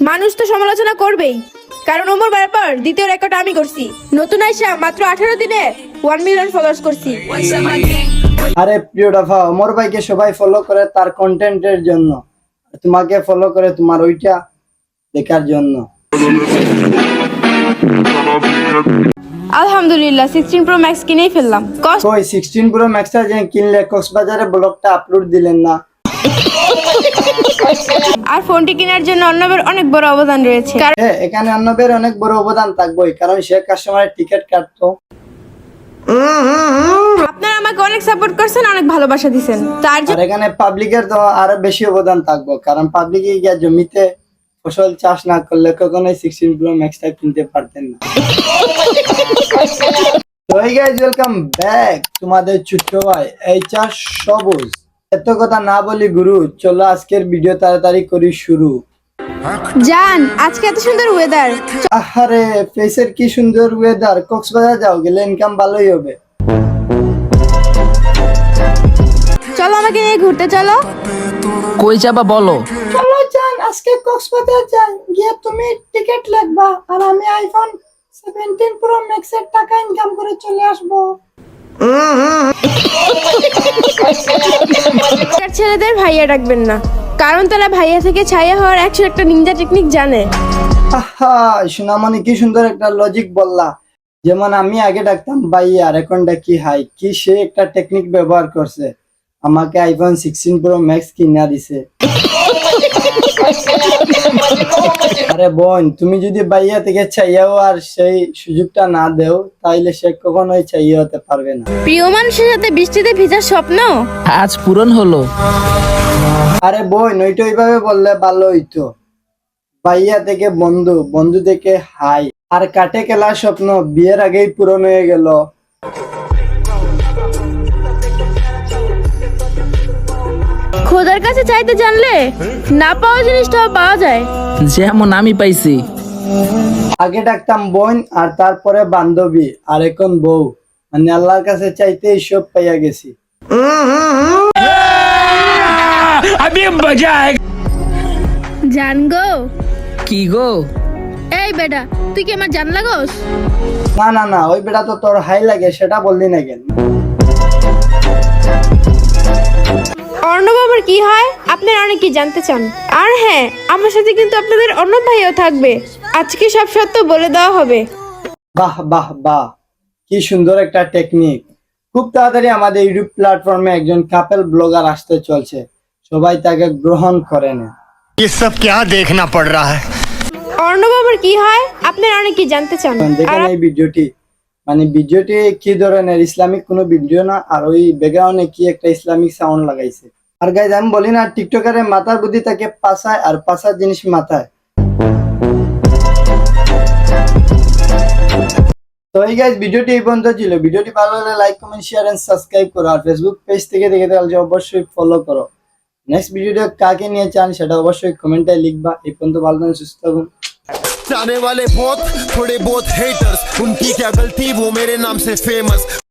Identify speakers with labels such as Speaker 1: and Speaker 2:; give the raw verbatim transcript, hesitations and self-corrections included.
Speaker 1: মানুষ তো সমালোচনা করবেই, কারণ ওমর ব্যাপার দ্বিতীয় রেকর্ড আমি করছি। নতুন আইসা মাত্র আঠারো দিনে ওয়ান মিলিয়ন ফলোয়ার্স করছি।
Speaker 2: আরে প্রিয় ডাফা, ওমর ভাইকে সবাই ফলো করে তার কন্টেন্টের জন্য, তোমাকে ফলো করে তোমার ওইটা দেখার জন্য।
Speaker 1: আলহামদুলিল্লাহ সিক্সটিন প্রো ম্যাক্স কিনেই ফেললাম। কষ্ট
Speaker 2: কই সিক্সটিন প্রো ম্যাক্সটা যে কিনলে কক্সবাজারে ব্লগটা আপলোড দিলেন না?
Speaker 1: আর ফোনটি কেনার জন্য অর্ণবের অনেক বড় অবদান রয়েছে। কারণ
Speaker 2: হ্যাঁ, এখানে অর্ণবের অনেক বড় অবদান থাকবেই, কারণ সে কাস্টমারের টিকিট কাটতো।
Speaker 1: আপনারা আমাকে অনেক সাপোর্ট করছেন, অনেক ভালোবাসা দিবেন, তার
Speaker 2: আর
Speaker 1: জন্য
Speaker 2: এখানে পাবলিকের তো আরো বেশি অবদান থাকবো, কারণ পাবলিকে গিয়ে জমিতে ফসল চাষ না করলে কখনোই সিক্সটিন প্রো ম্যাক্সটা কিনতে পারতেন না। তো এই গাইজ, ওয়েলকাম ব্যাক তোমাদের ছোট্ট ভাই এই চাষ সবুজ। এত কথা না বলি গুরু, চলো আজকের ভিডিও তাড়াতাড়ি করি শুরু।
Speaker 1: জান আজকে এত সুন্দর ওয়েদার,
Speaker 2: আহারে ফেসের কি সুন্দর ওয়েদার, কক্সবাজার যাও, গেলে ইনকাম ভালোই হবে।
Speaker 1: চলো আমাকে নিয়ে ঘুরতে চলো।
Speaker 3: কই যাবা বলো?
Speaker 2: চলো যান, আজকে কক্সবাজার যান, গিয়ে তুমি টিকিট লাগবা আর আমি আইফোন সেভেন্টিন প্রো ম্যাক্স এর টাকা ইনকাম করে চলে আসবো।
Speaker 1: ছেলেদের ভাইয়া ডাকবেন না, কারণ তারা ভাইয়া থেকে ছায়া হওয়ার একশো একটা নিনজা টেকনিক জানে।
Speaker 2: আহা সোনামণি, কি সুন্দর একটা লজিক বললা। যেমন আমি আগে ডাকতাম ভাইয়া আর এখন ডাকি হাই, কি সে একটা টেকনিক ব্যবহার করছে, আমাকে আইফোন সিক্সটিন প্রো ম্যাক্স কিনা দিছে। আরে বোন, তুমি যদি ভাইয়া থেকে চাইয়াও আর সেই সুযোগটা না দেও, তাইলে সে কখনোই চাইয়া হতে পারবে না।
Speaker 1: প্রিয় মানুষের সাথে বৃষ্টিতে ভিজার স্বপ্ন
Speaker 3: আজ পূরণ হলো।
Speaker 2: আরে বোন, ওইটা ওইভাবে বললে ভালো হইতো। ভাইয়া থেকে বন্ধু, বন্ধু থেকে হাই, আর কাটে খেলার স্বপ্ন বিয়ের আগেই পূরণ হয়ে গেল।
Speaker 1: খোদার কাছে চাইতে জানলে না পাওয়া জিনিসটাও পাওয়া যায়।
Speaker 3: যেমন আমি পাইছি।
Speaker 2: আগে ডাকতাম বোন আর তারপরে বান্ধবী, আর এখন বউ, মানে আল্লাহর কাছে চাইতে সব পাইয়া গেছি।
Speaker 1: জান গো,
Speaker 3: কি গো?
Speaker 1: এই বেটা তুই কি আমার জান লাগোস?
Speaker 2: না না না, ওই বেটা তো তোর হাই লাগে, সেটা বললি না কেন?
Speaker 1: অর্ণব আবার কি হয় আপনারা অনেকে জানতে চান। আর হ্যাঁ, আমার সাথে কিন্তু আপনাদের অর্ণব ভাইও থাকবে, আজকে সব সত্য বলে দেওয়া হবে।
Speaker 2: বাহ বাহ বাহ, কি সুন্দর একটা টেকনিক। খুব তাড়াতাড়ি আমাদের ইউটিউব প্ল্যাটফর্মে একজন কাপল ব্লগার আসতে চলছে, সবাই তাকে গ্রহণ করে না।
Speaker 4: ये सब क्या देखना पड़ रहा है?
Speaker 1: অর্ণব আবার কি হয় আপনারা অনেকে জানতে চান।
Speaker 2: দেখেন এই ভিডিওটি, মানে ভিডিওটি কি ধরনের, ইসলামিক কোনো ভিডিও না, আর ওই ব্যাকগ্রাউন্ডে কি একটা ইসলামিক সাউন্ড লাগাইছে। আর গাইজ আমি বলি না, টিকটকারের মাথার বুদ্ধি তাকে পাশায়, আর পাশার জিনিস মাথায়। তো এই গাইজ, ভিডিওটি এই পর্যন্ত ছিল। ভিডিওটি ভালো লাগলে like comment share and subscribe করো, আর ফেসবুক পেজ থেকে দেখে তাহলে অবশ্যই ফলো করো। নেক্সট ভিডিওটা কাকে নিয়ে চান সেটা অবশ্যই কমেন্টে লিখবা। এই পর্যন্ত ভালো থাকুন, সুস্থ থাকুন।
Speaker 4: जाने वाले बहुत थोड़े बहुत हेटर्स, उनकी क्या गलती, वो मेरे नाम से फेमस।